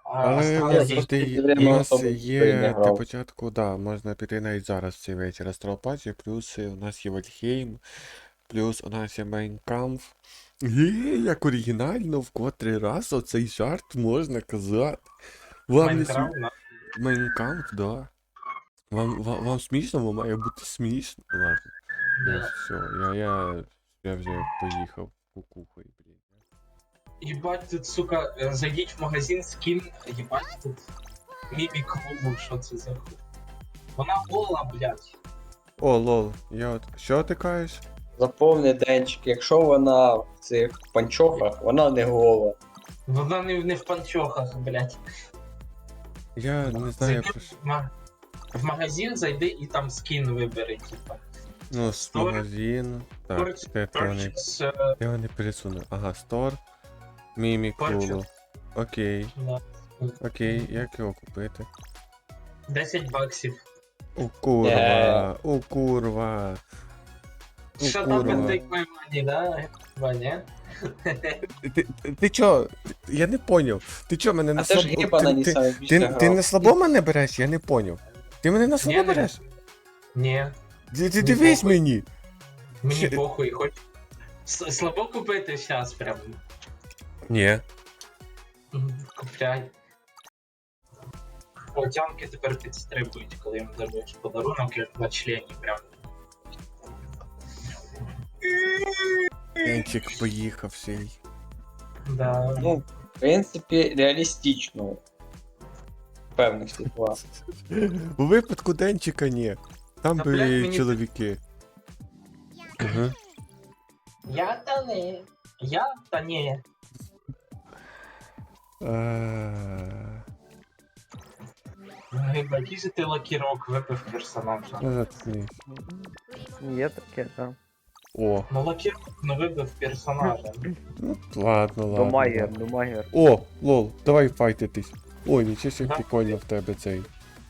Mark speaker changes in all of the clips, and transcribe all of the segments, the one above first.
Speaker 1: Але у
Speaker 2: Але
Speaker 1: нас
Speaker 2: я
Speaker 1: завжди
Speaker 2: в
Speaker 1: у
Speaker 2: время
Speaker 1: нас
Speaker 2: особо не
Speaker 1: є для
Speaker 2: грав.
Speaker 1: початку, да, можна піти навіть зараз цей вечір Астралпаті, плюс у нас є Вальхейм, плюс у нас є Майнкамф. Як оригінально, в котрий раз оцей жарт можна казати. Вам не смішно?
Speaker 3: Майнкрафт,
Speaker 1: Майнкамф, да. Вам смішно, вам має бути смішно. Ладно.
Speaker 3: да.
Speaker 1: Все, я вже поїхав кукухою, блін.
Speaker 3: Єбать, тут, сука, зайдіть в магазин, скін, єбать, тут мімі клубу, що це за хуй. Вона гола, блядь.
Speaker 1: О, лол, я от. Що ти кажеш?
Speaker 2: Заповни, Денчик, якщо вона в цих панчохах, вона не гола.
Speaker 3: Вона не в панчохах, блядь.
Speaker 1: Я не знаю
Speaker 3: Зайди
Speaker 1: про що.
Speaker 3: в магазин, зайди і там скін вибери, типа.
Speaker 1: Ну, з
Speaker 3: Store.
Speaker 1: магазин. Так,
Speaker 3: Purchase,
Speaker 1: я його не пересуну. Ага, стор. Мімікулу.
Speaker 3: Purchase.
Speaker 1: Окей.
Speaker 3: да.
Speaker 1: Окей, як його купити?
Speaker 3: 10 баксів.
Speaker 1: О, курва. О, курва. О,
Speaker 3: Що там
Speaker 1: курва.
Speaker 3: take my money, да? Ваня?
Speaker 1: Ти чо? Я не поняв. Ти чо мене на
Speaker 2: А це ж
Speaker 1: слабо...
Speaker 2: гіба на ній саме більше
Speaker 1: Ти на слабо мене береш? Я не поняв. Ти мене на слабо
Speaker 3: Ні,
Speaker 1: береш?
Speaker 3: Ні,
Speaker 1: Ти дивись
Speaker 3: похуй.
Speaker 1: мені.
Speaker 3: мені
Speaker 1: Ще-
Speaker 3: похуй, хоч. Слабо купити зараз прям.
Speaker 1: Ні.
Speaker 3: Купляй. Потянки тепер підстрибують, коли їм даруєш подарунок, як на члені прям.
Speaker 1: Денчик поїхав сей.
Speaker 3: Да.
Speaker 2: Ну, в принципі, реалістично. В певних ситуаціях.
Speaker 1: У випадку Денчика ні. Там
Speaker 3: Та, блядь,
Speaker 1: були
Speaker 3: мені-
Speaker 1: чоловіки. Угу.
Speaker 3: Я та не. Я та ні. Який же ти лакірок випив персонажа?
Speaker 1: Ну, заткнись.
Speaker 4: Є таке, так.
Speaker 1: О,
Speaker 3: Ну лакірок не вибив персонажа.
Speaker 1: ну ладно, ладно.
Speaker 4: Домагер,
Speaker 1: ладно.
Speaker 4: домагер.
Speaker 1: О, лол, давай файтитись. Ой, нічого себе
Speaker 3: Да.
Speaker 1: прикольно в тебе цей.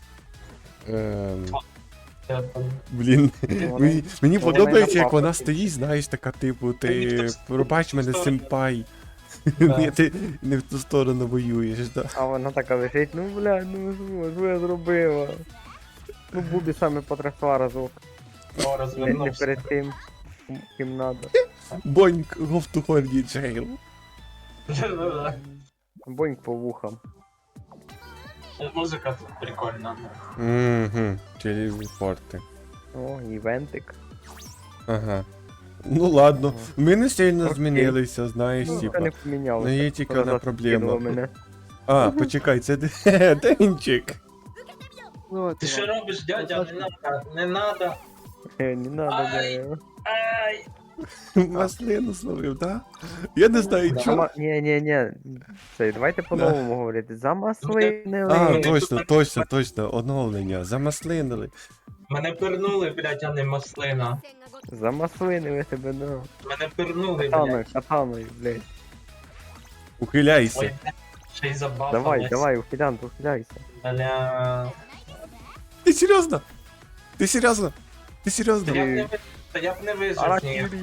Speaker 3: Я там-
Speaker 1: Блін, мені
Speaker 4: вони
Speaker 1: подобається,
Speaker 4: на
Speaker 1: як вона
Speaker 4: папаті.
Speaker 1: стоїть, знаєш, така типу,
Speaker 3: Мені
Speaker 1: ти
Speaker 3: в
Speaker 1: пробач мене,
Speaker 3: сторону.
Speaker 1: сенпай.
Speaker 3: Да.
Speaker 1: Ні, ти не в ту сторону воюєш, да.
Speaker 4: А вона така лежить, ну бля, ну що я зробила? Ну Бубі саме потрясла разок.
Speaker 3: О,
Speaker 4: Не
Speaker 3: розвернувся.
Speaker 4: перед тим, ким надо.
Speaker 1: Боньк, go to horny jail.
Speaker 3: Да-да-да.
Speaker 4: Боньк по вухам.
Speaker 3: Музика тут прикольна.
Speaker 1: Угу, телефорти.
Speaker 4: О, івентик.
Speaker 1: Ага. Ну ладно, ми не сильно
Speaker 4: Окей.
Speaker 1: змінилися, знаєш,
Speaker 4: Ну,
Speaker 1: типа.
Speaker 4: не помінялося.
Speaker 1: Ну є тільки
Speaker 4: Вона
Speaker 1: одна
Speaker 4: зараз
Speaker 1: проблема.
Speaker 4: скинула мене.
Speaker 1: А, почекай, це Денчик.
Speaker 4: Ну,
Speaker 3: Ти що робиш, дядя? Не надо, не надо.
Speaker 4: Не надо,
Speaker 3: Ай.
Speaker 4: да.
Speaker 3: Ай!
Speaker 1: Маслину словив, да? Я не знаю,
Speaker 3: Да.
Speaker 1: чому.
Speaker 4: Ні. Це, давайте по-новому говорити. Замаслинили.
Speaker 1: А,
Speaker 3: Вони
Speaker 1: точно,
Speaker 3: тут-
Speaker 1: точно, оновлення. Замаслинили.
Speaker 3: Мене пирнули, блядь, а не маслина.
Speaker 4: Замаслинили тебе, да.
Speaker 3: Мене пирнули,
Speaker 4: Катаною,
Speaker 3: блядь.
Speaker 4: катаною, блядь.
Speaker 1: Ухиляйся.
Speaker 3: Ой, блядь, ще й забафалась.
Speaker 4: Давай, ухилянт, ухиляйся.
Speaker 3: Бля.
Speaker 1: Ти серйозно? Ти серйозно? Ти
Speaker 3: Та
Speaker 1: серйозно?
Speaker 3: я б не вижив, ні.
Speaker 4: Аракірі.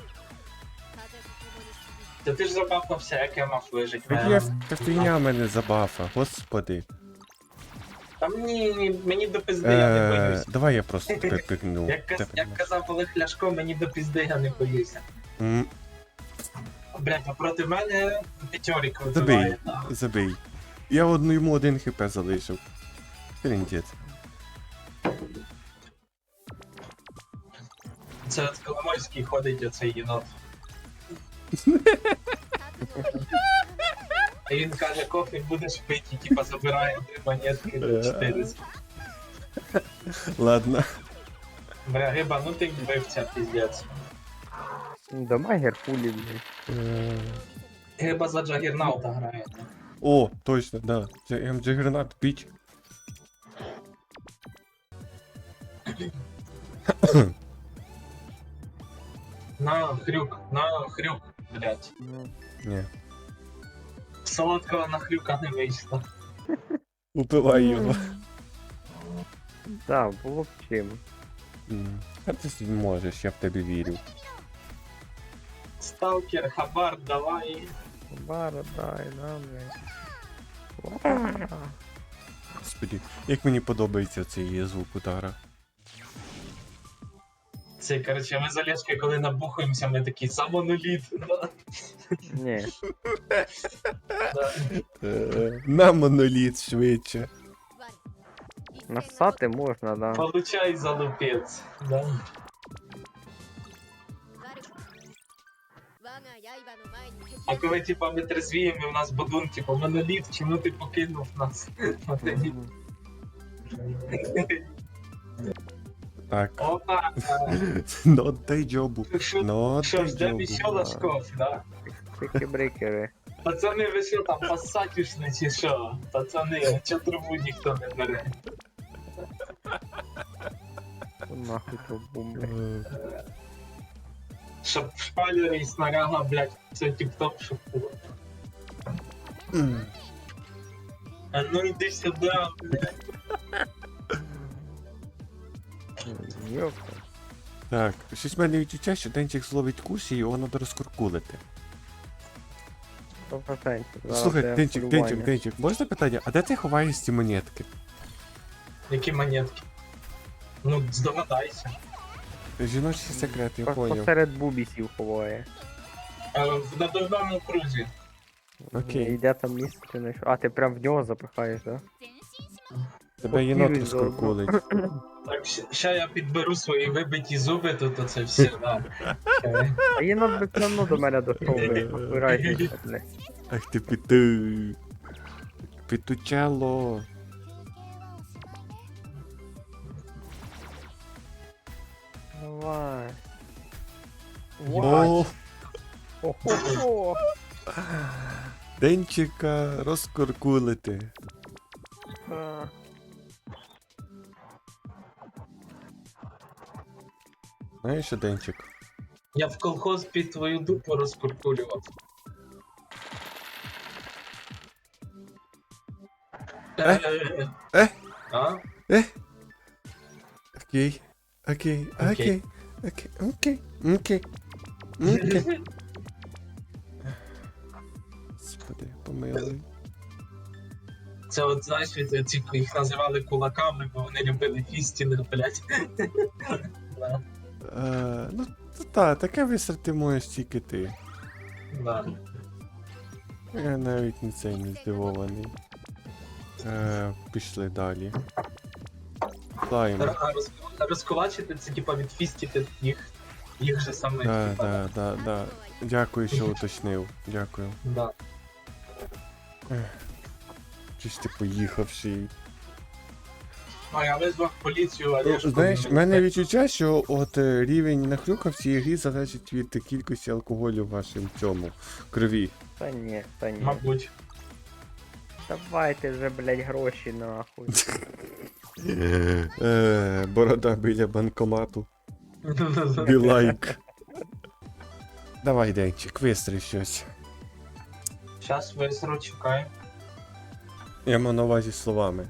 Speaker 3: Та ти ж забафався, як я мав вижити.
Speaker 1: Та фігня мене забафа, господи.
Speaker 3: Та мені до пизди, я не боюсь.
Speaker 1: Давай я просто тебе пикну.
Speaker 3: Як казав Олег Ляшко, мені до пізди я не боюся. Блядь, а проти мене п'ятьорік
Speaker 1: Забий,
Speaker 3: вибиває.
Speaker 1: забий. Я йому 1 хп залишив. Тріндець.
Speaker 3: Це от Коломойський ходить оцей єнот. І він каже, кофе будеш пити, і типа забирає 3 монетки до 400.
Speaker 1: Ладно.
Speaker 3: Бля, Риба, ну ти вбивця, піздець.
Speaker 4: Дамагер пулі, блядь.
Speaker 3: Риба за Джагернаута грає.
Speaker 1: О, точно, да. Джагернат піч.
Speaker 3: На хрюк, блядь.
Speaker 4: Ну,
Speaker 1: Ні.
Speaker 3: Солодкого на хрюка не вийшло.
Speaker 1: Убивай його.
Speaker 4: Так, було б чим.
Speaker 1: А ти можеш, я в тебе вірю.
Speaker 3: Сталкер, хабар, давай.
Speaker 4: Бара, дай, нам, блядь.
Speaker 1: Господи, як мені подобається цей звук удара.
Speaker 3: Це, коротше, ми з Олешкою, коли набухаємося, ми такі самоноліт. Да.
Speaker 4: Ні.
Speaker 3: Да.
Speaker 1: На моноліт швидше.
Speaker 4: Насати можна, да.
Speaker 3: Получай залупець. Да. А коли типа ми трезвіємо, і у нас бодун, типа моноліт, чому ти покинув нас?
Speaker 1: Так.
Speaker 3: Опа!
Speaker 1: Ну дай джобу.
Speaker 3: Що
Speaker 1: Ну
Speaker 3: що
Speaker 1: дай
Speaker 3: ж, де
Speaker 1: джобу.
Speaker 3: ще Лашков, да?
Speaker 4: Брейкери.
Speaker 3: Пацани, ви що там, пассатюшні чи що? Пацани, чо трубу ніхто не бере?
Speaker 4: Нахуй трубу, блядь.
Speaker 3: Щоб шпалери і снаряга, блядь, все тіп-топ, щоб було. А ну йди сюди, блядь.
Speaker 4: Йопта.
Speaker 1: Так, щось в мене відчуття, що Денчик зловить курс і його треба розкуркулити.
Speaker 4: 100%. Зараз
Speaker 1: Слухай,
Speaker 4: я
Speaker 1: Денчик,
Speaker 4: полювання.
Speaker 1: Денчик, можна питання? А де ти ховаєш ці монетки?
Speaker 3: Які монетки? Ну, здогадайся.
Speaker 1: Жіночий секрет, я
Speaker 4: Просто
Speaker 1: поняв.
Speaker 4: серед бубісів ховає.
Speaker 3: В надувному крузі.
Speaker 1: Окей.
Speaker 4: Йде там місце, ти знайшов. А, ти прям в нього запихаєш, да?
Speaker 1: Тебе єнот
Speaker 4: Покинь заодно.
Speaker 1: розкуркулить.
Speaker 3: Так, ще я підберу свої вибиті зуби, тут оце все, да.
Speaker 4: А єнот би все одно до мене дійшов, блядь. Вирайся, блядь.
Speaker 1: Ах ти піту. Пітучело.
Speaker 4: Давай.
Speaker 1: О,
Speaker 4: Охо-хо.
Speaker 1: Денчика розкуркулити.
Speaker 4: А.
Speaker 1: Знаєш що, Денчик?
Speaker 3: Я в колхоз під твою дупу розкуркулював.
Speaker 1: Е?
Speaker 3: А?
Speaker 1: Окей. Окей.
Speaker 3: Окей.
Speaker 1: Окей. Окей. Окей. Окей. Господи, помилуй.
Speaker 3: Це от, знаєш, від ці, їх називали кулаками, бо вони любили фістінг, блядь. Да,
Speaker 1: Ну, та, таке висрати можеш тільки ти.
Speaker 3: да.
Speaker 1: Я навіть не цей не здивований. Пішли далі. Слайм.
Speaker 3: Розкулачити це типа від фістіти їх же саме.
Speaker 1: Да. Дякую, що уточнив. Дякую.
Speaker 3: Да.
Speaker 1: Чись ти поїхавший.
Speaker 3: А я визвав поліцію, а я ж
Speaker 1: Знаєш, в мене відчуття, що от рівень нахрюка в цій грі залежить від кількості алкоголю в вашому цьому крові.
Speaker 4: Та ні, та ні.
Speaker 3: Мабуть.
Speaker 4: Давайте вже, блядь, гроші нахуй.
Speaker 1: Борода біля банкомату. Білайк. Давай, Денчик, вистрій щось.
Speaker 3: Щас висру, чекай.
Speaker 1: Я маю на увазі словами.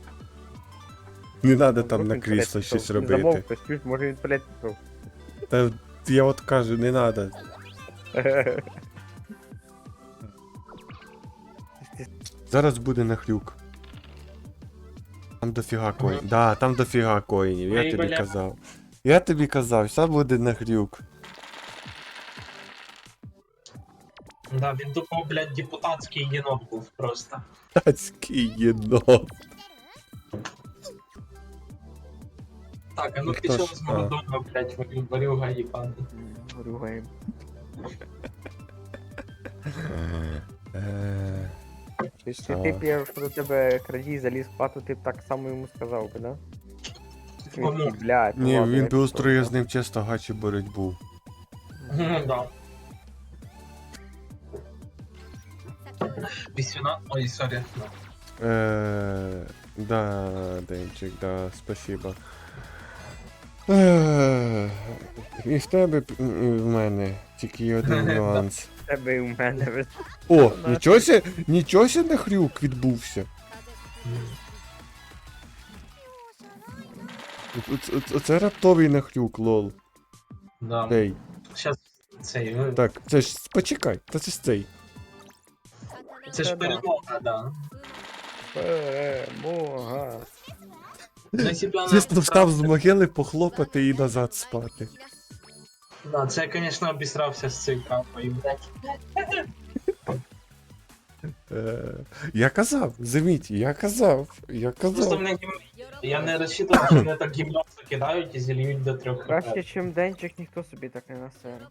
Speaker 1: Не треба там на крісло щось робити.
Speaker 4: Замовкось, чуть, може він туалет пішов.
Speaker 1: Та я от кажу, не треба. Зараз буде нахрюк. Там дофіга коїнів. Да, там дофіга коїнів, я
Speaker 3: Ой,
Speaker 1: тобі
Speaker 3: бля.
Speaker 1: казав. Я тобі казав, все буде нахрюк.
Speaker 3: Да, він тупо, блядь, депутатський єнот був просто.
Speaker 1: Тацький єнот.
Speaker 3: Так, а ну
Speaker 1: Ну, хто
Speaker 3: пішов
Speaker 1: ж,
Speaker 3: з мого дому, блядь, варюга їбаний.
Speaker 4: Ругаємо. Якщо
Speaker 1: Що?
Speaker 4: ти б, я що до тебе крадій заліз в хату, ти б так само йому сказав би, да?
Speaker 3: Кому?
Speaker 4: Він такий, блядь, ну
Speaker 1: Ні,
Speaker 4: ладно,
Speaker 1: він
Speaker 4: я
Speaker 1: би устроїв
Speaker 4: пішов,
Speaker 1: з ним чисто гачі боротьбу.
Speaker 3: Ну, да. Пісюна? Ой, сорі.
Speaker 1: Да, Денчик, да, спасибо. І в тебе, і в мене, тільки є один нюанс.
Speaker 4: да. Тебе і у мене ви-
Speaker 1: О, нічого сі нахрюк відбувся. Оце раптовий нахрюк, лол.
Speaker 3: Да.
Speaker 1: Цей.
Speaker 3: Щас цей.
Speaker 1: Так, це ж, почекай, та це ж цей.
Speaker 3: Це ж перемога, да.
Speaker 4: Перемога.
Speaker 3: Ну, якщо б я не
Speaker 1: Чисто встав з
Speaker 3: обісрався-
Speaker 1: могили, похлопати і назад спати.
Speaker 3: Да, це я, звісно, обісрався з цією капою, блядь.
Speaker 1: Я казав, заміть, я казав.
Speaker 3: Просто мене я не розчитував, що мене так гімно закидають і зільють до 3
Speaker 4: Краще, чим денчик, ніхто собі так не насере.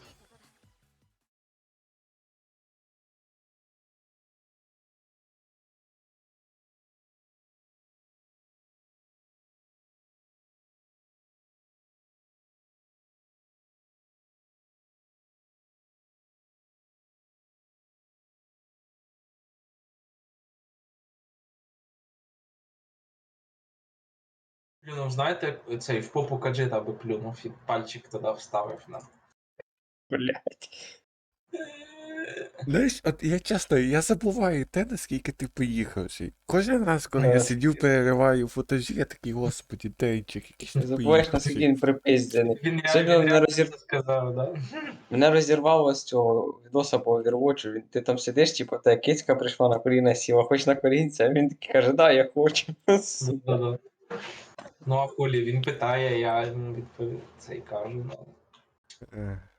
Speaker 3: Плюнув, знаєте, цей в попу каджита би плюнув і пальчик туди вставив на.
Speaker 2: Блядь.
Speaker 1: Знаєш, от я часто, я забуваю те, наскільки ти поїхавший. Кожен раз, коли я
Speaker 2: Ага.
Speaker 1: сидю, перериваю футажі, я такий, господі, денчик, якийсь
Speaker 2: Не
Speaker 1: ти
Speaker 2: забуваєш, наскільки
Speaker 1: поїхавший.
Speaker 2: він припиздений.
Speaker 3: Він
Speaker 2: Сьогодні
Speaker 3: реально,
Speaker 2: мене
Speaker 3: це сказав, да?
Speaker 2: Мене розірвало з цього відоса по Overwatch. Ти там сидиш, типу, та кицька прийшла на коліна сіла, хоч на колінця, а він такий каже, да, я хочу. Сука.
Speaker 3: Да-да. Ну а хулі, він питає, я йому відповів це і кажу. Ну.
Speaker 1: Е,